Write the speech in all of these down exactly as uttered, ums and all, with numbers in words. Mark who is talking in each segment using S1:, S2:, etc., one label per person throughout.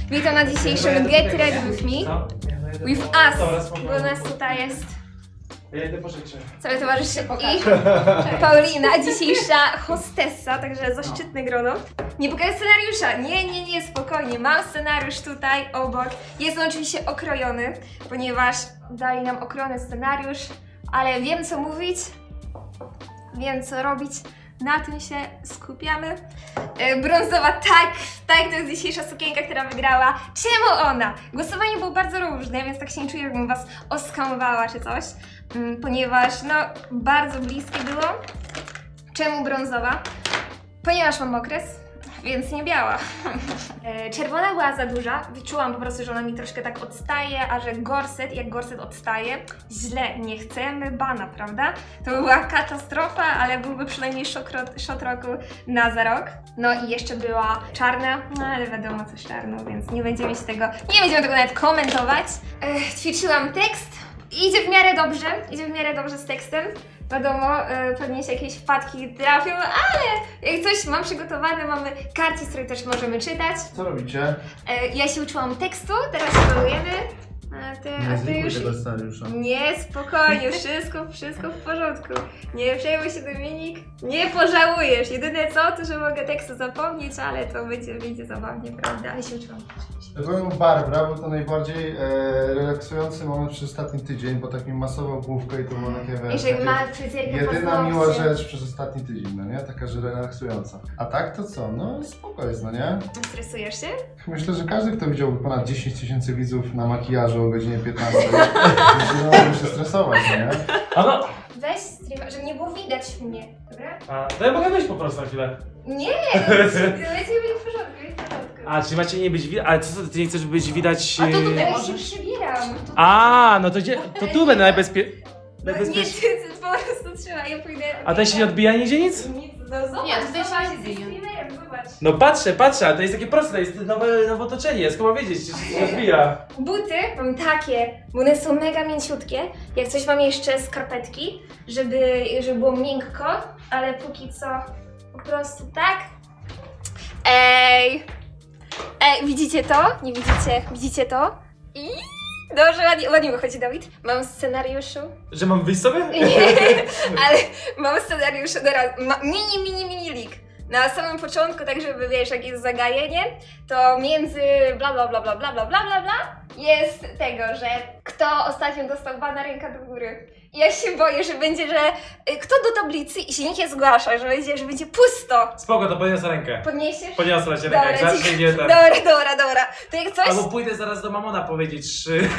S1: Witam na dzisiejszym Get Ready With Me. With Us, bo nas tutaj jest
S2: Ja idę po rzeczy.
S1: cały towarzyszy i Paulina, dzisiejsza hostessa, także zaszczytne grono. Nie pokażę scenariusza, nie, nie, nie, spokojnie, mam scenariusz tutaj obok. Jest on oczywiście okrojony, ponieważ dali nam okrojony scenariusz, ale wiem co mówić, wiem co robić. Na tym się skupiamy. E, Brązowa, tak, tak, to jest dzisiejsza sukienka, która wygrała. Czemu ona? Głosowanie było bardzo różne, więc tak się nie czuję, jakbym was oskamowała czy coś. Mm, ponieważ, no, bardzo bliskie było. Czemu brązowa? Ponieważ mam okres, więc nie biała. E, Czerwona była za duża, wyczułam po prostu, że ona mi troszkę tak odstaje, a że gorset, jak gorset odstaje, źle, nie chcemy bana, prawda? To by była katastrofa, ale byłby przynajmniej szok, ro- shot roku na za rok. No i jeszcze była czarna, no ale wiadomo coś czarną, więc nie będziemy się tego, nie będziemy tego nawet komentować. E, ćwiczyłam tekst, idzie w miarę dobrze, idzie w miarę dobrze z tekstem. Wiadomo, e, pewnie się jakieś wpadki trafią, ale jak coś mam przygotowane, mamy karty, z których też możemy czytać.
S2: Co robicie?
S1: E, ja się uczyłam tekstu, teraz spróbujemy. A ty, a ty już...
S2: tego scenariusza.
S1: Nie, spokojnie, wszystko, wszystko w porządku. Nie przejmuj się, Dominik, nie pożałujesz. Jedyne co, to że mogę tekstu zapomnieć, ale to będzie, będzie zabawnie, prawda? Ale się uczyłam.
S2: Powiem Barbara, był to najbardziej e, relaksujący moment przez ostatni tydzień, bo tak mi masował główkę i to było takie, wiesz,
S1: Jeżeli
S2: takie
S1: ma fryzjerkę
S2: jedyna miła
S1: paznokcie.
S2: rzecz przez ostatni tydzień, no nie? Taka, że relaksująca. A tak to co? No spoko jest, no nie?
S1: Stresujesz się?
S2: Myślę, że każdy, kto widziałby ponad dziesięć tysięcy widzów na makijażu o godzinie piętnastej, no, musi się stresować, no nie?
S3: A no,
S1: Weź streama, żeby nie było widać mnie, dobra?
S3: a, to ja mogę wyjść po prostu na chwilę.
S1: Nie, no, leci mi w porządku, jest w porządku.
S3: A, czyli macie nie być widać, ale co, ty nie chcesz być widać...
S1: A to
S3: yy,
S1: tutaj się przebieram.
S3: A, no to gdzie, to tu będę najbezpie...
S1: No, nie,
S3: najbezpieczniej.
S1: ty, ty po prostu trzeba, ja pójdę.
S3: A tutaj się nie odbija nigdzie nic?
S1: Nic, no zobacz,
S4: Nie, tutaj się
S1: zobacz,
S4: nie
S1: jesteś
S4: odbija.
S1: streamerem, zobacz.
S3: No patrzę, patrzę, ale to jest takie proste, to jest nowe, nowe otoczenie, skąd mam wiedzieć, czy się nie odbija.
S1: Buty mam takie, bo one są mega mięciutkie. Jak coś mam jeszcze skarpetki, żeby, żeby było miękko, ale póki co po prostu tak. Ej! Ej, widzicie to? Nie widzicie? Widzicie to? I dobrze, ładnie, ładnie wychodzi Dawid. Mam w scenariuszu.
S3: Że mam wyjść sobie?
S1: Nie, ale mam w scenariuszu teraz ma, mini, mini, mini leak. Na samym początku, tak żeby wiesz, jak jest zagajenie, to między bla bla bla bla bla bla bla bla bla jest tego, że kto ostatnio dostał bana, ręka do góry. I ja się boję, że będzie, że y, kto do tablicy i się nikt nie zgłasza, że będzie, że będzie pusto.
S3: Spoko, to podniosę rękę.
S1: Podniesiesz?
S3: Podniosę cię rękę, jak
S1: Dobra,
S3: zacznie
S1: ci-
S3: nie ten.
S1: Dobra, dobra, dobra. To jak coś...
S3: Albo pójdę zaraz do mamona powiedzieć trzy.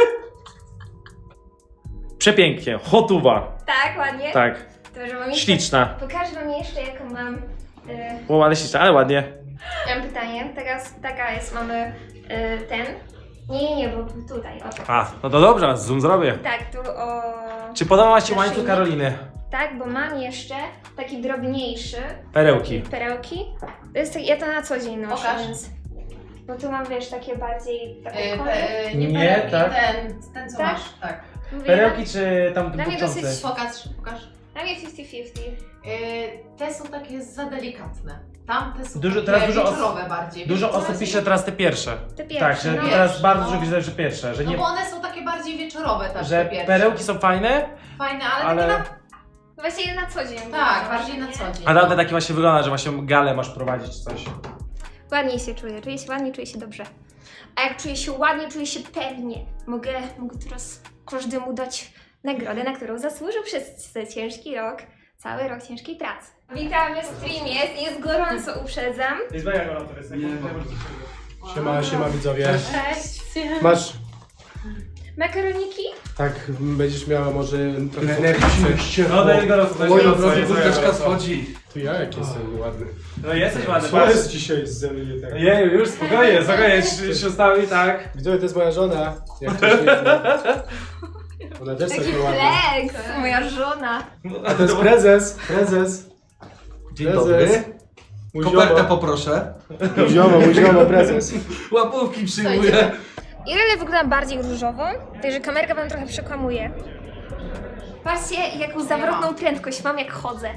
S3: Przepięknie, hotuwa.
S1: Tak, ładnie.
S3: Tak,
S1: To, że mam jeszcze...
S3: śliczna.
S1: Pokażę wam jeszcze, jaką mam... Y,
S3: O, ale śliczna, ale ładnie.
S1: Mam pytanie, teraz taka jest, mamy y, ten. Nie, nie, nie, bo tutaj, o.
S3: A, no to dobrze, zoom zrobię.
S1: Tak, tu o.
S3: Czy podoba Ci się
S1: Naszyjnik?
S3: łańcuch Karoliny?
S1: Tak, bo mam jeszcze taki drobniejszy.
S3: Perełki.
S1: Taki perełki. To jest tak, ja to na co dzień noszę,
S4: Pokaż.
S1: więc. Bo tu mam, wiesz, takie bardziej. Takie
S4: Yy,
S1: kole.
S4: pe, yy, nie,
S3: Nie,
S4: perełki,
S3: tak.
S4: ten, ten co
S1: Tak?
S4: masz, tak.
S1: Mówię,
S3: Perełki czy tam
S1: Dla mnie
S3: burczące?
S1: dosyć-
S4: Pokaż, pokaż.
S1: Dla mnie pięćdziesiąt pięćdziesiąt.
S4: Yy, te są takie za delikatne. Tamte są
S3: Dużo-
S4: takie
S3: teraz dużo os-
S4: wieczorowe bardziej.
S3: Dużo
S4: Wiecie, co
S3: osób
S4: chodzi?
S3: pisze teraz te pierwsze.
S1: Te pierwsze.
S3: Tak, że
S1: no.
S3: teraz
S4: Pierwsze,
S3: bardzo
S4: no.
S3: dużo widzę, że pierwsze, że
S4: No
S3: nie...
S4: bo one są takie bardziej wieczorowe, tak,
S3: Że
S4: te pierwsze.
S3: perełki są fajne,
S4: Fajne, ale,
S3: ale...
S4: takie
S1: No Właśnie na co dzień.
S4: na... Tak,
S1: no,
S4: bardziej na
S1: nie?
S4: co dzień.
S3: A tamte takie właśnie wygląda, że właśnie galę masz prowadzić czy coś.
S1: Ładniej się czuję, czuję się ładnie, czuję się dobrze. A jak czuję się ładnie, czuję się pewnie. Mogę, mogę teraz każdemu dać nagrodę, na którą zasłużył przez ten ciężki rok, cały rok ciężkiej pracy. Witamy w streamie, jest, jest gorąco, uprzedzam.
S3: Jest mega gorąco, jest
S5: Siema, siema widzowie.
S1: Cześć.
S5: Masz,
S1: Makaroniki?
S5: tak, będziesz miała może trochę energii.
S3: No to jest gorąco, to jest
S5: Oj,
S3: gorąco.
S5: od razu
S3: jest
S5: kurteczka
S3: gorąco.
S5: schodzi. Tu ja jak jestem ładny.
S3: No jesteś ładny,
S5: Co
S3: patrz.
S5: jest dzisiaj ze mnie nie tak?
S3: Jeju, już spokojnie, spokojnie, siostami tak.
S5: Widzowie, to jest moja żona. Jak ktoś nie zna. Ona też
S1: Taki
S5: taka ładna.
S1: flex, moja żona.
S5: A to jest prezes, prezes.
S6: Dzień
S5: Prezes.
S6: dobry.
S5: Mój
S6: Kopertę
S5: ziomo,
S6: poproszę.
S5: mój ziomo, mój ziomo, prezes.
S6: Łapówki przyjmuję.
S1: Irele wygląda bardziej różowo, także kamerka wam trochę przekłamuje. Patrzcie, jaką zawrotną prędkość mam, jak chodzę.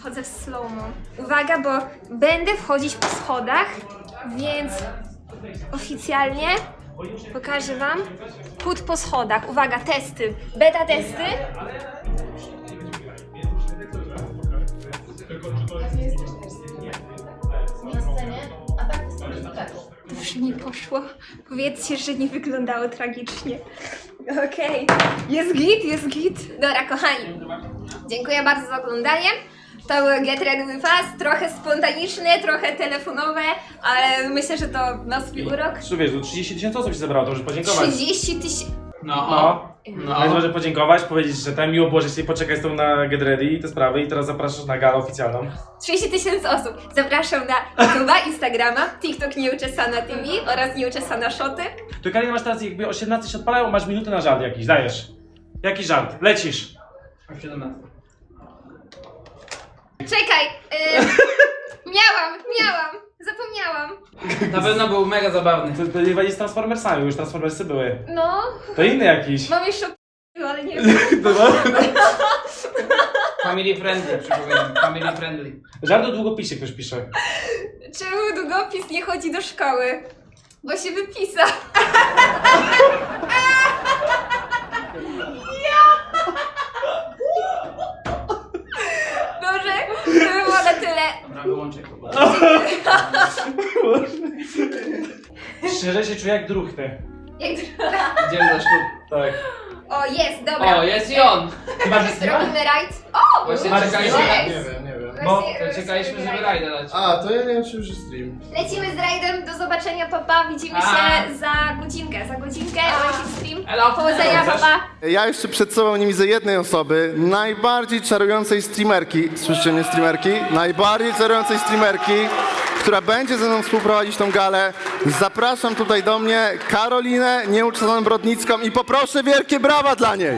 S1: wchodzę w slow-mo. Uwaga, bo będę wchodzić po schodach, więc oficjalnie pokażę wam chód po schodach. Uwaga, testy. Beta testy.
S4: Na scenie, a tak jest tak.
S1: Dobrze mi poszło. Powiedzcie, że nie wyglądało tragicznie. Okej. Jest git, jest git. Dobra, kochani. Dziękuję bardzo za oglądanie. To był Get Ready With Us. Trochę spontaniczne, trochę telefonowe, ale myślę, że to ma swój urok.
S3: Zresztą wiesz, tu trzydzieści tysięcy osób się zebrało, to może podziękować.
S1: trzydzieści tysięcy.
S6: No,
S3: No.
S6: no.
S3: Więc może podziękować, powiedzieć, że tam miło było, że się poczekać z tą na Get Ready i te sprawy i teraz zapraszasz na galę oficjalną.
S1: trzydzieści tysięcy osób. Zapraszam na YouTube'a, Instagrama, TikTok Nieuczesana T V oraz Nieuczesana Shoty.
S3: To Karina, masz teraz jakby o siedemnaście się odpalają, masz minutę na żart jakiś, dajesz. Jaki żart? Lecisz.
S6: A siedemnaście.
S1: Czekaj. Y... miałam, miałam. Zapomniałam.
S6: Na pewno był mega zabawny.
S3: To, to nie będzie z Transformersami, już Transformersy były.
S1: No,
S3: To inny jakiś.
S1: mam jeszcze ale nie wiem.
S6: Family friendly, przypominam. Family friendly.
S3: Żart o długopisie ktoś pisze.
S1: Czemu długopis nie chodzi do szkoły? Bo się wypisał. Dobrze, to by było na tyle.
S6: Dobra, wyłączę go.
S3: Szczerze się czuję jak druchny.
S1: Jak
S6: Idziemy za ślub.
S3: Tak.
S1: O, jest, dobra.
S6: O, jest i on!
S3: Chyba, że
S1: Robimy rajd. O!
S6: Właśnie
S3: Marcin,
S6: czekaliśmy,
S1: jest.
S2: Nie wiem, nie wiem.
S3: No,
S1: Właśnie,
S6: to czekaliśmy,
S1: robimy
S6: żeby
S1: rajd.
S6: rajda dać.
S2: A, to ja nie wiem, czy już jest stream.
S1: Lecimy z rajdem, do zobaczenia, papa. Widzimy
S6: A.
S1: się za godzinkę. Za godzinkę leci stream.
S6: Elo.
S1: Powodzenia,
S6: Chcesz?
S1: papa.
S2: Ja jeszcze przed sobą nie widzę jednej osoby, najbardziej czarującej streamerki, słyszycie mnie streamerki? Najbardziej czarującej streamerki, która będzie ze mną współprowadzić tą galę. Zapraszam tutaj do mnie Karolinę Nieuczesaną Brodnicką i poproszę wielkie brawa dla niej.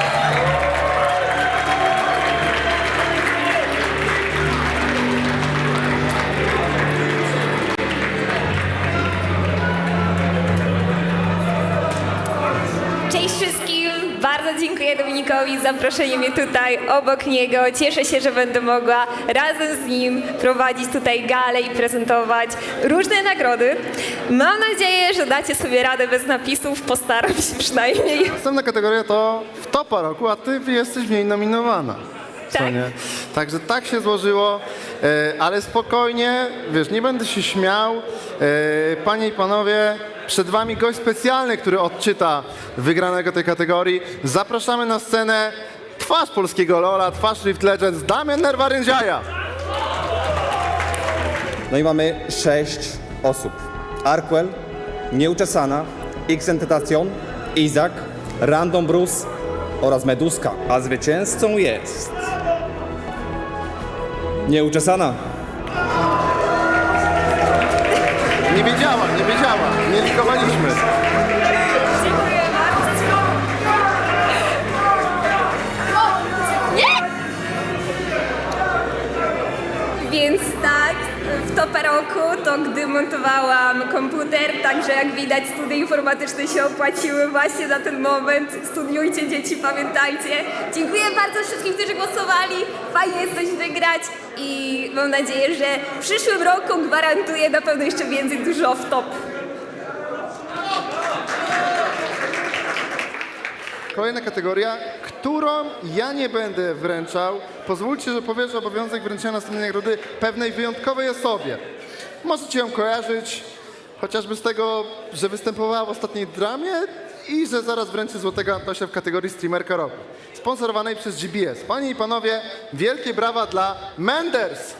S1: Cześć wszystkim! Bardzo dziękuję Dominikowi za zaproszenie mnie tutaj obok niego. Cieszę się, że będę mogła razem z nim prowadzić tutaj galę i prezentować różne nagrody. Mam nadzieję, że dacie sobie radę bez napisów. Postaram się przynajmniej.
S2: Następna kategoria to w topa roku, a ty jesteś w niej nominowana. Co
S1: Tak.
S2: nie? Także tak się złożyło, e, ale spokojnie, wiesz, nie będę się śmiał. E, panie i panowie, przed wami gość specjalny, który odczyta wygranego tej kategorii. Zapraszamy na scenę twarz polskiego Lola, twarz Rift Legends, Damian Nerwarędziaja.
S7: No i mamy sześć osób. Arkwell, Nieuczesana, X-Tentacion, Izak, Random Bruce oraz Meduska. A zwycięzcą jest... Nieuczesana.
S2: Nie wiedziała, nie wiedziała, nie likowaliśmy.
S1: Dziękuję bardzo. Nie! Więc tak, w topę roku to gdy montowałam komputer, także jak widać studia informatyczne się opłaciły właśnie na ten moment. Studiujcie dzieci, pamiętajcie. Dziękuję bardzo wszystkim, którzy głosowali. Fajnie jest coś wygrać i mam nadzieję, że w przyszłym roku gwarantuję na pewno jeszcze więcej dużo w top.
S2: Kolejna kategoria, którą ja nie będę wręczał. Pozwólcie, że powierzę obowiązek wręczenia następnej nagrody pewnej wyjątkowej osobie. Możecie ją kojarzyć chociażby z tego, że występowała w ostatniej dramie i że zaraz wręczy Złotego Antosia w kategorii Streamerka Roku. Sponsorowanej przez G B S. Panie i panowie, wielkie brawa dla Menders!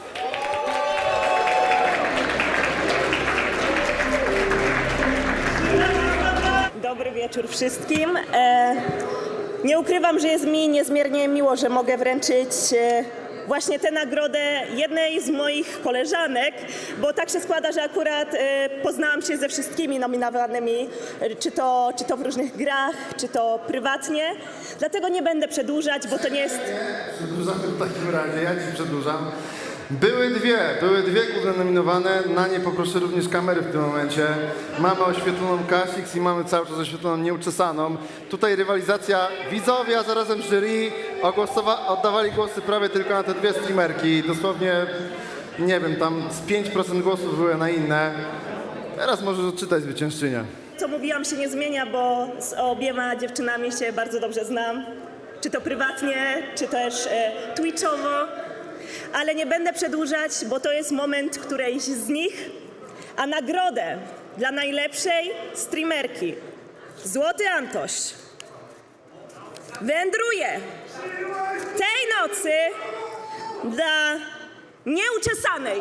S8: Dobry wieczór wszystkim. E, nie ukrywam, że jest mi niezmiernie miło, że mogę wręczyć e, właśnie tę nagrodę jednej z moich koleżanek, bo tak się składa, że akurat e, poznałam się ze wszystkimi nominowanymi, e, czy to, czy to w różnych grach, czy to prywatnie. Dlatego nie będę przedłużać, bo to nie jest...
S2: Przedłużamy w takim razie, ja ci przedłużam. Były dwie, były dwie główne nominowane, na nie poproszę również kamery w tym momencie. Mamy oświetloną Kasix i mamy cały czas oświetloną Nieuczesaną. Tutaj rywalizacja, widzowie, a zarazem jury ogłosowa- oddawali głosy prawie tylko na te dwie streamerki. Dosłownie, nie wiem, tam z pięć procent głosów były na inne. Teraz możesz odczytać zwyciężczynię.
S8: Co mówiłam się nie zmienia, bo z obiema dziewczynami się bardzo dobrze znam. Czy to prywatnie, czy też e, twitchowo. Ale nie będę przedłużać, bo to jest moment którejś z nich. A nagrodę dla najlepszej streamerki Złoty Antoś wędruje tej nocy dla Nieuczesanej.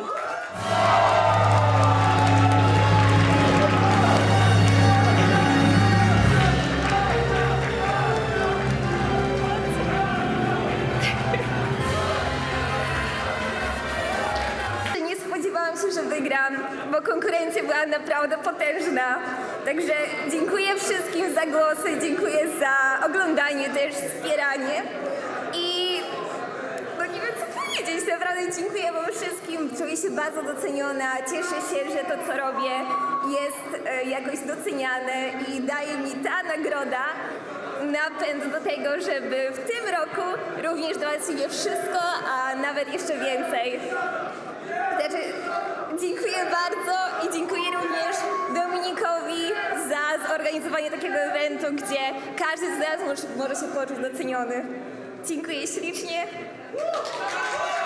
S1: Nie spodziewałam się, że wygram, bo konkurencja była naprawdę potężna. Także dziękuję wszystkim za głosy, dziękuję za oglądanie też, wspieranie. I no nie wiem co powiedzieć, naprawdę dziękuję wam wszystkim. Czuję się bardzo doceniona, cieszę się, że to co robię jest e, jakoś doceniane i daje mi ta nagroda napęd do tego, żeby w tym roku również dawać sobie wszystko, a nawet jeszcze więcej. Znaczy, dziękuję bardzo i dziękuję również Dominikowi za zorganizowanie takiego eventu, gdzie każdy z nas może, może się poczuć doceniony. Dziękuję ślicznie.